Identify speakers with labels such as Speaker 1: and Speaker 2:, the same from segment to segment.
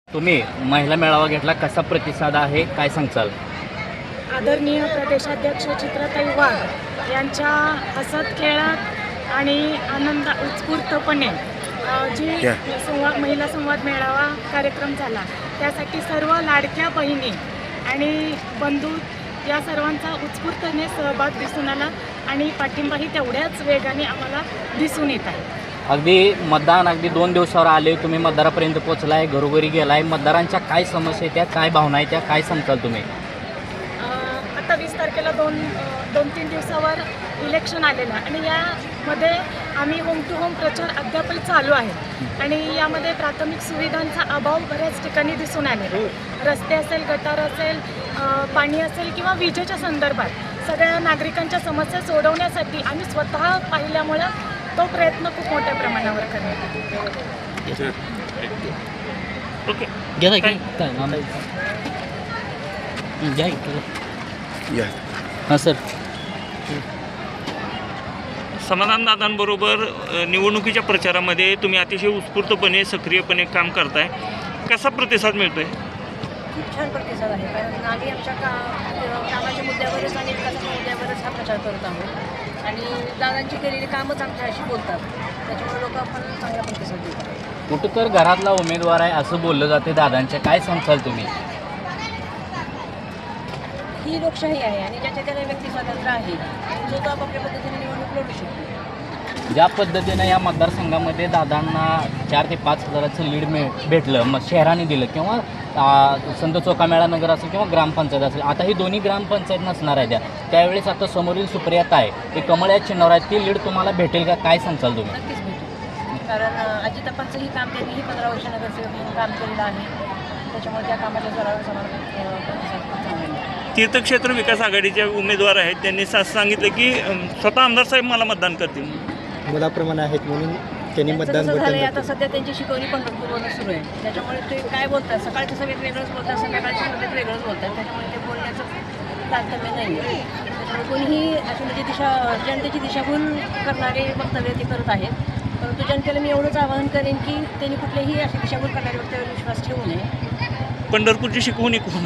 Speaker 1: तुम्ही महिला मेळावा घेतला, कसा प्रतिसाद आहे, काय सांगचाल?
Speaker 2: आदरणीय प्रदेशाध्यक्ष चित्राताई वाघ यांच्या हसत खेळात आणि उत्स्फूर्तपणे जी महिला संवाद मेळावा कार्यक्रम झाला, त्यासाठी सर्व लाडक्या बहिणी आणि बंधू या सर्वांचा उत्स्फूर्तपणे सहभाग दिसून आला आणि पाठिंबाही तेवढ्याच वेगाने आम्हाला दिसून येत आहे.
Speaker 1: अगदी मतदान अगदी 2 दिवसावर आले, तुम्ही मतदारापर्यंत पोहोचलाय, घरोघरी गेलाय, मतदारांच्या काय समस्या आहेत, त्या काय भावना आहेत, त्या काय सांगताल तुम्ही?
Speaker 2: आता 20 तारखेला 2-3 दिवसावर इलेक्शन आलेलं आहे आणि यामध्ये आम्ही होम टू होम प्रचार अद्यापही चालू आहे आणि यामध्ये प्राथमिक सुविधांचा अभाव बऱ्याच ठिकाणी दिसून आले. रस्ते असेल, गटार असेल, पाणी असेल किंवा विजेच्या संदर्भात सगळ्या नागरिकांच्या समस्या सोडवण्यासाठी आम्ही स्वतः पाहिल्यामुळं तो प्रयत्न खूप मोठ्या प्रमाणावर करण्यात
Speaker 1: हां सर.
Speaker 3: समाधानदादांबरोबर निवडणुकीच्या प्रचारामध्ये तुम्ही अतिशय उत्स्फूर्तपणे सक्रियपणे काम करताय, कसा प्रतिसाद मिळतोय?
Speaker 4: खूप छान प्रतिसाद आहे, कारण आम्ही आमच्या कामाच्या मुद्द्यावरच आणि विकासाच्या मुद्द्यावरच हा प्रचार करत आहोत आणि दादांची केलेली कामच आमच्याशी बोलतात, त्याच्यामुळे लोक आपण चांगला प्रतिसाद देतात.
Speaker 1: कुठं तर घरातला उमेदवार आहे असं बोललं जाते दादांच्या, काय सांगताल तुम्ही?
Speaker 4: ही लोकशाही आहे आणि ज्याच्या त्याला व्यक्ती स्वातंत्र्य आहे, जो तो आपापल्या पद्धतीने निवडणूक लढू शकतो.
Speaker 1: ज्या पद्धतीनं या मतदारसंघामध्ये दादांना 4 ते 5 हजाराचं लीड भेटलं, मग शहराने दिलं किंवा संत चोखामेळा नगर असेल किंवा ग्रामपंचायत असेल, आता ही दोन्ही ग्रामपंचायत नसणार आहे त्यावेळेस आता समोरील सुप्रियाता आहे, ते कमळ या चिन्हावर आहे, ती लीड तुम्हाला भेटेल का, काय सांगताल तुम्ही?
Speaker 4: नक्कीच भेटेल, कारण अजितापांचंही काम त्यांनीही 15 वर्ष नगरसेवक म्हणून काम केलेलं आहे, त्याच्यामुळे त्या कामाच्या जोरावर समाज
Speaker 3: तीर्थक्षेत्र विकास आघाडीचे उमेदवार आहेत, त्यांनी सांगितलं की स्वतः आमदार साहेब मला मतदान करतील,
Speaker 5: मुलाप्रमाणे आहेत म्हणून त्यांनी मतदान
Speaker 4: झालं. आता सध्या त्यांची शिकवणी पंढरपूरवरून सुरू आहे, त्याच्यामुळे ते काय बोलतात, सकाळच्या सभेत वेगळंच बोलतात, संध्याकाळच्या सभेत वेगळंच बोलतात, त्याच्यामुळे ते बोलण्याचं तारतम्य नाही आहे. त्याच्यामुळे कोणीही अशी म्हणजे जनतेची दिशाभूल करणारे वक्तव्य ते करत आहेत, परंतु जनतेला मी एवढंच आवाहन करेन की त्यांनी कुठलेही अशी दिशाभूल करणारे वक्तव्यावर विश्वास ठेवू नये.
Speaker 3: पंढरपूरची शिकवणी कोण?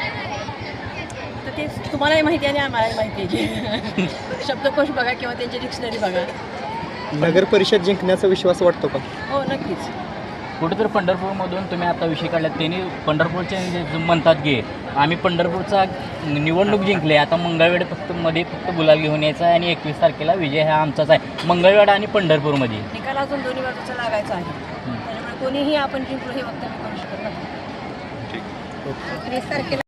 Speaker 4: तर ते तुम्हालाही माहिती आहे आणि आम्हालाही माहिती आहे. शब्दकोश बघा किंवा त्यांची डिक्शनरी बघा.
Speaker 5: नगर परिषद जिंकण्याचा विश्वास वाटतो का?
Speaker 4: हो, नक्कीच.
Speaker 1: कुठेतरी पंढरपूरमधून तुम्ही आता विषय काढला, त्यांनी पंढरपूरचे म्हणतात की आम्ही पंढरपूरचा निवडणूक जिंकले, आता मंगळवेढ फक्त गुलाल घेऊन यायचा आहे आणि 21 तारखेला विजय हा आमचाच आहे, मंगळवेढा आणि पंढरपूरमध्ये.
Speaker 4: निकाल अजून दोन्ही बाजूचा लागायचा आहे, त्याच्यामुळे कोणीही आपण जिंकलो हे वक्तव्य करू शकत नाही. 20 तारखेला